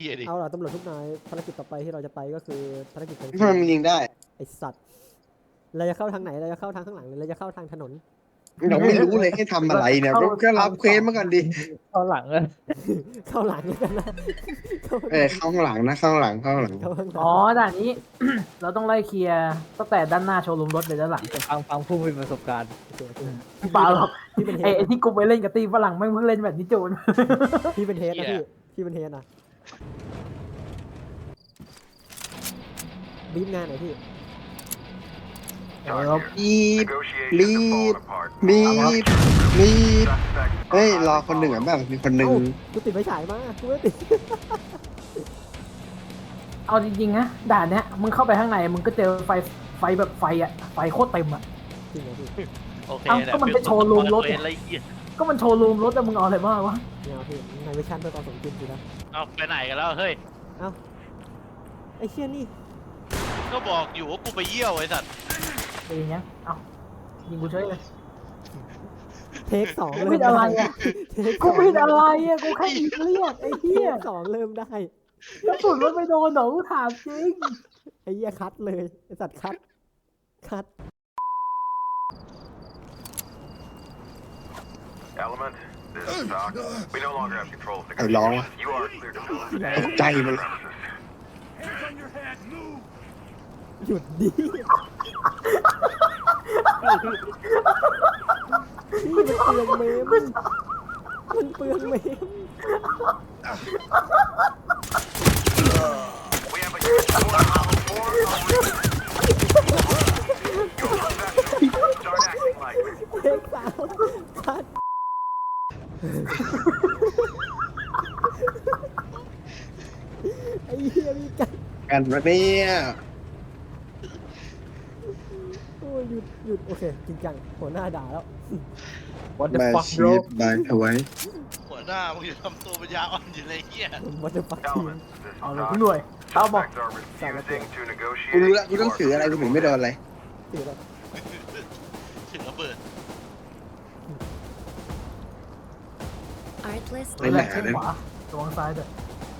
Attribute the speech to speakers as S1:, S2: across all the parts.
S1: เฮียดิ
S2: เอาล่ะตำรวจทุกนายภารกิจต่อไปที่เราจะไปก็คือภารกิจของ
S3: ทำไมมันยิงได้
S2: ไอสัตว์เราจะเข้าทางไหนเราจะเข้าทางข้างหลังหรือเราจะเข้าทางถนน
S3: เราไม่รู้เลยให้ทำอะไรเนี่ยก็รับเควสมาก่อนดิ
S4: ตอนหลังเลย
S2: เข้าหลังแล้วกันนะเข้า
S3: ข้างหลังนะข้างหลังข้างหลัง
S2: เข้าข้างหลัง
S5: อ๋อด่านนี้ เราต้องไล่เคลียร์ตั้งแต่ด้านหน้าโชว์รูมรถไปด้านหลัง
S4: ฟังผู้มีประสบการณ์
S2: โอเคโอเค
S5: เปล่าหรอก
S2: พี่เป็นเฮ
S5: ไอ้
S2: ด
S5: ที่กูไปเล่นกับตีฝรั่งไม่งเพิ่งเล่นแบบนี้โจน
S2: พี่เป็นเฮดนะพี่เป็นเฮดนะบีบงานหน่อยพี่
S3: รีบรีบรีบรีบเฮ้ยรอคนหนึ่งอ่ะแบบมีคนหนึ่ง
S2: เอ้ากูติดไฟฉายมากูไม่ติด
S5: เอาจริงๆนะด่านเนี้ยมึงเข้าไปข้างในมึงก็เจอไฟแบบไฟอ่ะไฟโคตรเต็มอ่ะ
S2: จริงเหรอพี่
S1: โอเค
S5: เอ้าก็มันเป็นโชว์รูมรถ
S1: อะไรเงี้ย
S5: ก็มันโชว์รูมรถแต่มึงเอาอะไรมาวะ
S2: เนี่ยพี่ในเวอร์ชันเพื่อความสมจริงสินะ
S1: เอาไปไหนกันแล้วเฮ้ย
S2: เอ้าไอ้เชี่ยนี่
S1: ก็บอกอยู่ว่ากูไปเยี่ยวไอ้สัตว์
S5: เป็นอย่างเงี้ยเอ้ายิงกูเฉยเลย
S2: เทคสอง
S5: กู
S2: เริ่
S5: ผิ
S2: ม
S5: ดอะไรอ่ะ
S2: เทค
S5: กูผิดอะไรอ่ะกูแค่ยิงเรียกไอ้
S2: เท
S5: เหี้ย
S2: คสองเริ่มได้
S5: กระสุนมันไปโดนเหรอกูถามจริง
S2: ไอ้เหี้ยคัดเลยไอ้สัตว์คัด
S6: Element, this is Doc. We no longer have control of the
S3: ไอ้ร้องวะ
S6: You are clear to move.
S3: ตกใจมัน
S2: หยุดดิพี่มันเปลืองเมมมันเปลืองเมม
S6: We have a unit 4 on level 4. Your professionals start acting like it.
S2: เทคสามคัดไอ้เหี้ยมีกัน
S3: กันวะเนี่ย
S2: โอ้ยหยุดโอเคจริงจังหัวหน้าด่าแล้ว
S4: What the
S3: มา
S4: fuck
S3: ชี
S4: bro
S3: พบายเอาไว้
S1: หัวหน้ามึงจะทำตัวปัญญาอ่อนอยู่เลยเฮีย
S2: วัตถุปักทีม
S6: Element, this is
S5: เอาเลย
S6: Doc.
S5: ทุกหน่วยเอาบอก
S6: Suspects are refusing to
S3: กูรู้
S6: negotiate.
S3: ละกูต้องถืออะไรกูถึงไม่โดนอะไร
S2: ถือแล้ว
S1: ถึงระเบิด
S7: Artlist
S3: ไม่หนา
S5: เช็ค
S3: นะ
S5: ขวาระวังซ้ายด้วย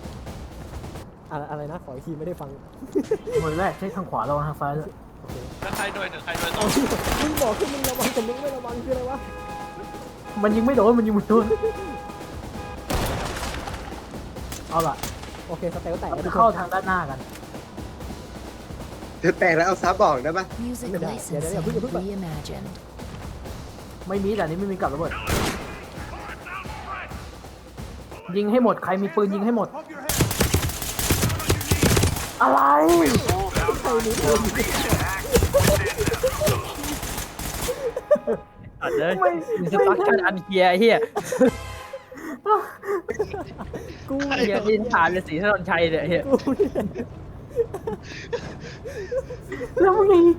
S2: อะไรนะขออีกทีไม่ได้ฟัง
S5: หน่วยแรกเช็คทางขวาระวังทางซ้ายด้วย
S2: โอเค
S1: แล้วใครโดยหนึ่งใครโดยสอ
S2: เอา
S1: ง
S2: ที่มึงบอกคือมึงระวังแต่มึงไม่ระวังคืออะไรวะ
S5: มันยิงไม่โดนมันยิงไม่โดนเอาล่ะ
S2: โอเคสเตลแตก
S5: เรา
S2: แล้ว
S5: จะ
S2: ทุกค
S5: เข้าน ทางด้านหน้ากัน
S3: เธอแตกแล้วเอาซับบอกได้ปะ
S7: Music
S2: Dạ, dạ,
S7: licensing
S2: dạ, dạ, dạ.
S7: reimagined.
S5: ไม่มีแต่นี้ไม่มีกับระเบิดยิงให้หมดใครมีปืนยิงให้หมด อะไร
S4: อัดเลยมีสตั๊กชันอันเกียร์ไอ้เฮีย
S2: กู
S4: เกียร์ที่ฐานเลยสีถนนชัยเนี่ยไอ้เฮีย
S2: กูเนี่ย
S5: แล้วมึงยิง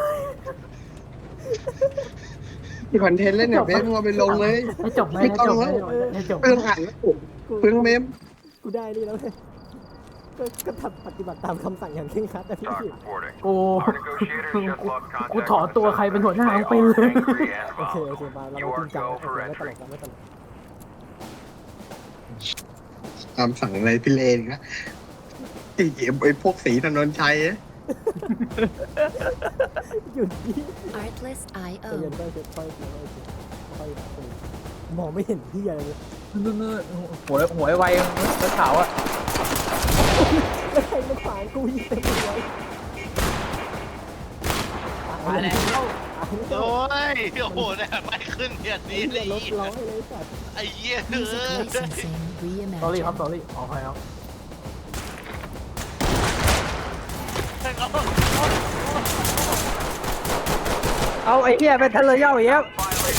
S3: ที่คอนเทนต์เล่นเนี่ยเบสมึงเอาไปลงเลย
S5: ให้จบไหมให้จบไหมให้จบไหม
S3: เพิ่งอ่านแล้วเพิ่งเมม
S2: กูได้นี่แล้วเลยก็ทำปฏิบัติตามคำสั่งอย่างเคร่งครัดนะพี่
S6: Doc reporting.
S5: กู
S6: Our negotiators just lost contact
S5: กูถอน
S6: with
S5: ตัว
S6: the
S5: ใครเป็นหัวหน้า
S6: suspects.
S5: ไป
S6: They
S5: เลย
S6: are angry and
S2: โอเคโอเค
S6: violent.
S2: มาเรา
S6: You
S2: จริ
S6: are
S2: งจัง
S6: go
S2: โอเค
S6: for
S2: ไม่ตล
S6: entry.
S2: กไม่ตลก
S3: ตามสั่งอะไรพี่เลนนะไอ้พวกสีถนนชัยอะ
S2: หยุดดิ
S7: Artlist
S2: ใจเย็น
S7: IO.
S2: ค่อยค่อยค่อยมองไม่เห็นที่อะไรเลย
S4: หัวไวแล้วขาวอ่ะ
S2: แล้วใครมาขวางกูยิงเต็มเลย
S4: มาแล้ว
S1: โอ้ยโอ้โหเนี่ยไม่ขึ้นเนี่ยนี้เลย
S2: รถร้อยเลยสัตว์
S1: ไอ้เหี้ย
S7: Music licensing
S5: สอรี่ครับ
S7: reimagined.
S5: สอรี่ขออภัยครับ
S4: เอาไอ้เฮียเป็นทะเลยเย่าอย่างเงี้ย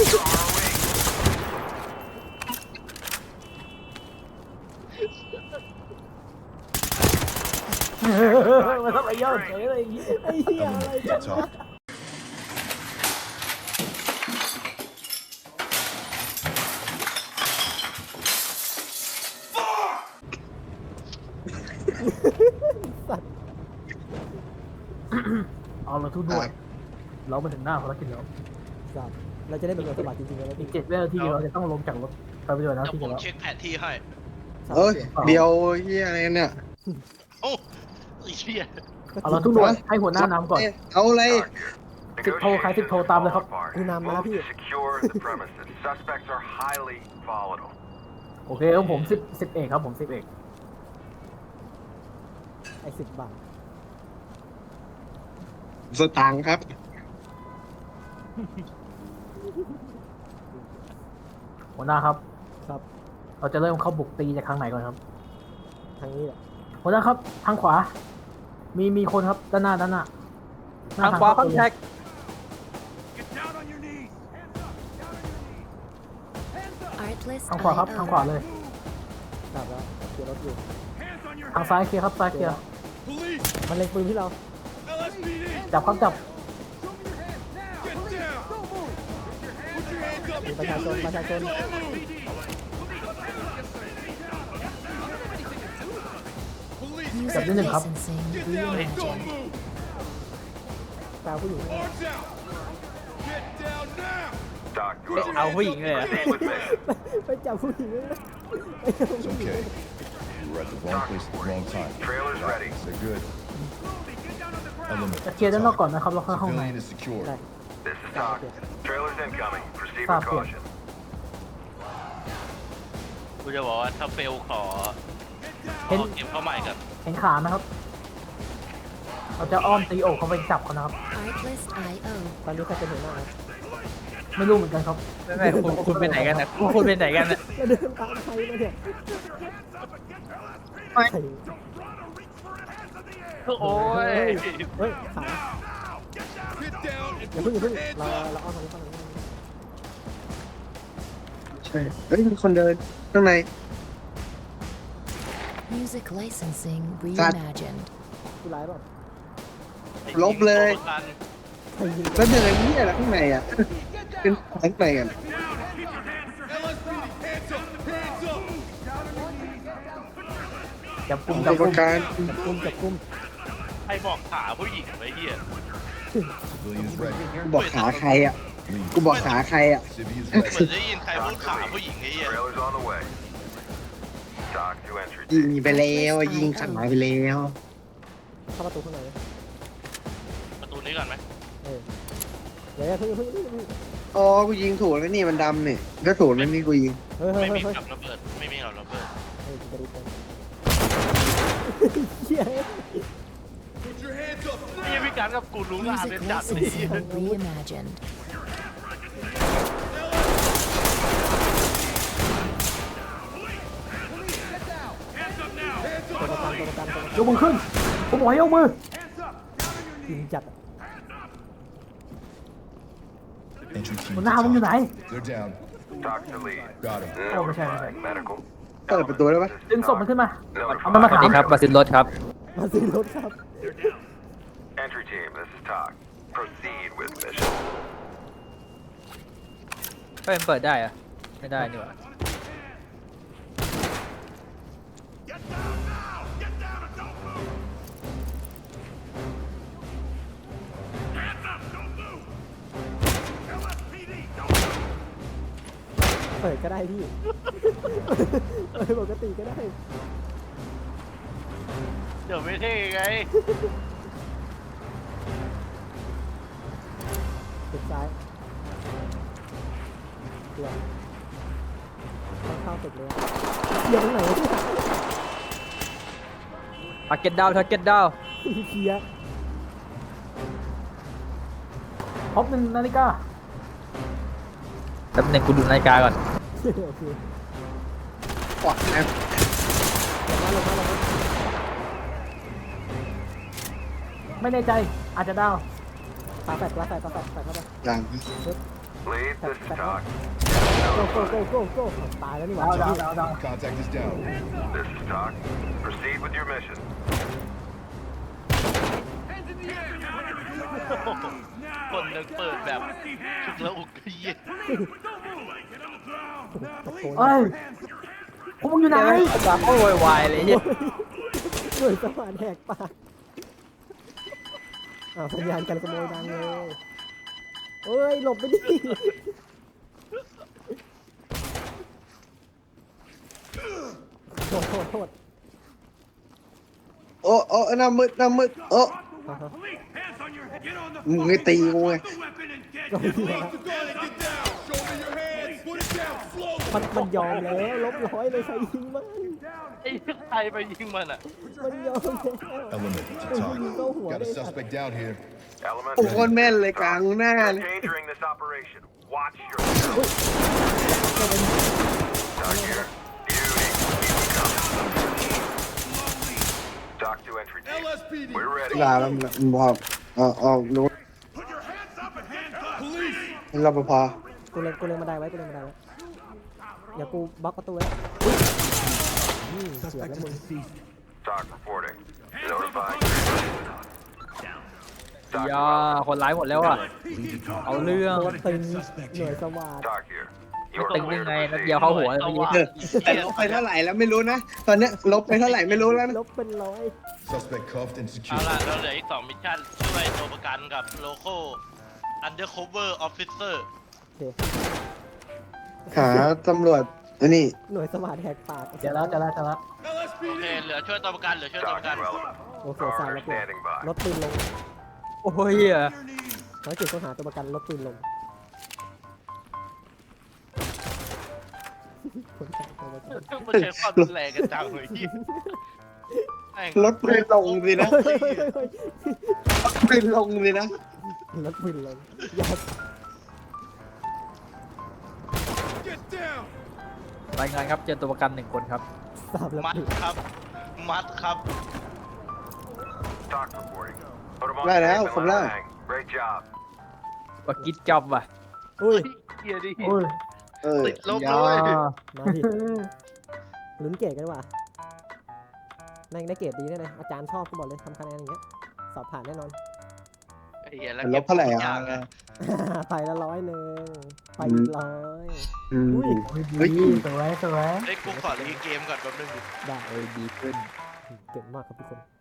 S5: มันต้องไปย่อเฉยเลย
S2: ไอ้เหี้ยอะไรกันวะสัตว์
S5: เอาเราทุกหน่วยเรามาถึงหน้าภารกิจแล้ว
S2: สัตว์เราจะได้เป็นคนสมัครจริงๆแล้ว
S5: อี
S2: พี่
S5: ก7 วินาทีเราจะต้องลงจากรถไปปฏิบัติหน้า
S1: เดี๋ยว
S5: ที่
S1: ผม
S5: แล้ว
S1: เช็คแผนที่ให้
S2: โสาม
S3: เอ้ย
S2: เสียง
S3: เดียวเฮียอะไรเนี่ย
S1: โอ้ไอ้เหี้ย
S5: เอาเราทุกหน่วยให้หัวหน้านำก่อน
S3: เอาอะไร
S6: Talk here.
S5: สิบโทใครสิบโทตามเลยครับ
S2: กูนำนะ
S6: Move
S2: พี่
S6: to secure the premises. Suspects are highly volatile.
S5: โอเคครับผม10เอกครับผม10เอก
S2: ไอ้10 บาท
S3: สตางค์ครับ
S5: หัวหน้าครับ
S2: ครับ
S5: เราจะเริ่มเข้าบุกตีจากทางไหนก่อนครับ
S2: ทางนี้แหละ
S5: หัวหน้าครับทางขวา มีคนครับด้านหน้าหน้
S4: ทางขวาคอนแทค
S7: Artlist
S5: ทางขวาครับ
S7: IO.
S5: ทางขวาเลย
S2: กลับแล้วเกียร์รถอยู่
S5: ทางซ้ายเคลียร์ครับซ้ายเคลียร์
S2: มันเล็งปืนที่เรา
S5: จับครับจับ
S2: มีประชาชน
S5: จับ
S7: Music
S5: นิดหนึ่งครับ
S7: licensing reimagined.
S2: ตาผู้หญิง
S6: Doc, do
S4: เอาผู้หญิงเลยอะ
S6: proceed with mission.
S2: ไปจับผู้หญิงเลยนะ
S8: It's okay. You were at the wrong place at the wrong time.
S6: Trailer's ready.
S8: They're good. Element.
S5: จะเคลียร์ด้านนอกก่อนนะครับแล้วค่อยเข้าข้างใน
S8: Civilian is secured.
S2: ได้
S6: This is Doc. Trailer's incoming. Proceed with
S5: Stop here.
S6: caution.
S1: กูจะบอกว่าถ้าเฟลขอ
S5: เห็น
S1: เก็บเข้าใหม่กัน
S5: เห็นขานะครับ เราจะอ้อมตีอกเขาไปจับเขานะครับ
S7: Artlist IO.
S2: ตอนนี้ใครเป็นหัวหน้าครับ
S5: ไม่รู้เหมือนกันครับ
S4: ไม่คุณไปไหนกันนะคุณไปไหนกันนะ
S2: แล้วเดินตามใครมาเนี่ยใคร
S1: โอ้ย
S2: เฮ้ยขาอย่าเพิ่งเราอ้อมทางนี้ก่อน
S3: ใช่ เฮ้ยมีคนเดินข้างใน
S7: Music licensing
S3: That-
S7: reimagined.
S2: ผู้ร้ายเปล่า
S3: ลบเลย
S2: ใครยิง
S3: แล้วเดินเฮียอะไรข้างในอ่ะเป็นข้างในกัน
S5: จับกลุ่ม
S3: ก
S5: จั
S3: ร
S5: บ
S3: ร
S5: ก
S3: ม
S5: ลุ่ม
S3: การ
S2: จับกุม
S1: ใครบอกขาผู้หญิงไว้เหี้ย
S8: Civilians ready.
S3: กูบอกขาใครอ่ะ กูบอกขาใครอ่ะ
S8: Civvies
S1: เหมือน
S8: ready.
S1: ได้ยินใครพูดขาผู้หญิงไอ้เหี้ย
S6: Trailer's on the way. Doc to entry.
S3: ยิงไปแล้วยิงขาไปแล้ว
S2: เข้าประตูข้างในเลย
S1: ประตูนี้ก่อนไหม
S2: เดี๋ยวเพิ่ง
S3: อ๋อ กูยิงถูกแล้วนี่มันดำเนี่ยก็ถูกแล้วนี่กูยิง
S2: เฮ้ย
S1: ไม่มี
S2: เฮ้ย
S1: กับระเบิดไม่มีกับระเบิด
S2: จะรีบไปเฮีย
S1: นี่พี่การกับกูรู้งาน
S7: Music
S1: เป็นจัดเลย
S7: licensing reimagined.
S2: ตัวประกัน
S5: ยกมือขึ้น ผมบอกให้ยกมือ
S2: ยิงจัด
S8: Entry team.
S5: หัวหน้ามึงอยู่ไหน
S8: They're down.
S6: Doc to lead.
S8: Got him.
S6: No
S5: Oh, okay,
S6: reply. Medical.
S3: เปิดประตูได้ปะ
S5: ดึงศพมันขึ้นมา
S6: No
S5: เอามันมา
S4: สวัส
S5: ถาม
S4: ดีครับมาซินรถครับ
S2: มาซื้อรถครับ
S6: Entry team, this is Doc. Proceed with mission.
S4: เปิดได้อะไม่ได้นี่หว่า
S2: เปิดก็ได้พี่เปิดปกติก็ได้
S1: เดี๋ยวไม่เท่ไง
S2: ตึกซ้ายเดี๋ยวเข้าตึกเลยเดี๋ยวตรงไหนวะพี่
S4: ทาร์เก็ตดาวทาร์เก็ตดาว
S2: เคลียร์
S5: พบ1 นาฬิกา
S4: แป๊บหนึงกูดูนาฬิกาก่อน
S2: โอเค
S3: ปอดนะ
S2: ลงมา
S5: ไม่แน่ใจ อาจจะดาว
S2: ปาแฟดเข้าไป
S3: หลัง
S6: Lead, this is Doc.
S2: โก้ตายแล้วนี่หว่า
S5: ดาว
S8: Contact is down.
S6: This is Doc. Proceed with your mission.
S1: คนนึงเปิดแบบชุกแล้วอุกเหี้ย
S2: ตะโกน
S5: เอ้ยพวกมึงอยู่ไหน
S4: ดาวโวยวายเลยเหี้ย
S2: หน่วยสมานแหกปากสัญญาณการขโมยดังเลยเอ้ยหลบไปดิโทษโทษโทษ
S3: โอ้โอ้หน้ามืดหน้ามืดโอ้มึงไม่ตีกูไง
S2: ก็เหี้ยมันยอมแล้วลบร้อยเลยใครยิงมัน
S1: ไอ้ใครไปยิงมันอ่ะ
S2: มันยอมแล้ว
S8: Element to talk. Got a suspect down here.
S6: Element
S3: โอ้โคตรแม่นเลยกลางหน้าเลย
S6: endangering this operation. Watch yourself. Doc here. Beauty. Keep it coming. Doc to entry team. We're ready.
S3: ด่าแล้วมันบอกเอารู้รปภ
S2: กูเล็งมาได้ไว้กูเล็งมาได้ไว้เดี๋ยวกูบล็อกประตูไว้เสียแล้วมึง
S6: Doc reporting. Notifying.
S4: ยาคนร้ายหมดแล้วอ่ะ เอาเรื่อง
S2: โดนตึงหน่วยสวัสด
S6: Doc here.
S4: ตึงยังไงนัดเดียวเข้าหัวเลยเมื่อกี้
S3: แต่ลบไปเท่าไหร่แล้วไม่รู้นะ ตอนเนี้ยลบไปเท่าไหร่ไม่รู้แล้วนะ
S2: ลบเป็นร้อย
S8: Suspect cuffed and
S1: เอา
S8: secured.
S1: ล่ะเราเหลืออีก2มิชชั่นช่วยตัวประกันกับโลโก้ undercover officer
S2: โอเค
S3: หาตำรวจอันนี้
S2: หน่วยสวัสดแหกปาก
S5: เจอแล้วเจอแล้วเจอแล้ว
S1: โอเคเหลือช่วยตัวประกันเหลือช่วยตัว
S6: Doc
S1: ประกัน
S6: to element.
S2: โอเคสายแล้ว
S6: Car standing by.
S2: ลดปืนลง
S4: โอ้ย
S2: ภารกิจค้นหาตัวประกันลดปืนลงคนหาตัวประกัน
S1: มันใช้ความรุนแรงกันจังเลยที่แม่ง
S3: ลดปืนลงสินะ
S2: เฮ้ยเฮ้ยเฮ้ยเฮ้ย
S3: ลดปืนลงสินะ
S2: ลดปืนลงอย่าร
S4: ายงานครับเจอตัวประกัน1 คนครับ
S2: สาบแล้ว
S1: มัด
S2: ปืน
S1: ครับ มัดครับ
S6: Doc reporting. Put 'em on
S3: ได้แล้ว
S6: tape
S3: ผม
S6: and
S3: ได้
S6: let 'em hang. Great job.
S4: ว่ากิดจอบว่ะ
S2: อุ้ย
S1: เฮียดิ
S5: อุ้ย
S1: ติดลบ
S4: ยา
S1: เลย
S2: มาดิลุ้นเกรดกันดีกว่าแม่งได้เกรดดีแน่เลยอาจารย์ชอบก็บอกเลยทำคะแนนอย่างเงี้ยสอบผ่านแน่นอน
S1: ไอ้เหี้ยแล้ว
S3: ลบเท่าไหร่
S1: ก็บ
S3: อ่ะ
S1: ย่างไง
S2: ไปละ100ไปอีกร้อย
S3: อืม
S2: อุ้ย
S3: เฮ้ย
S5: ดีสวยสวย
S1: เฮ้ยกูขอรีเกมก่อนแป๊บนึงดิ
S2: ได้
S4: เออดีขึ้น
S2: เก่งมากครับทุกคน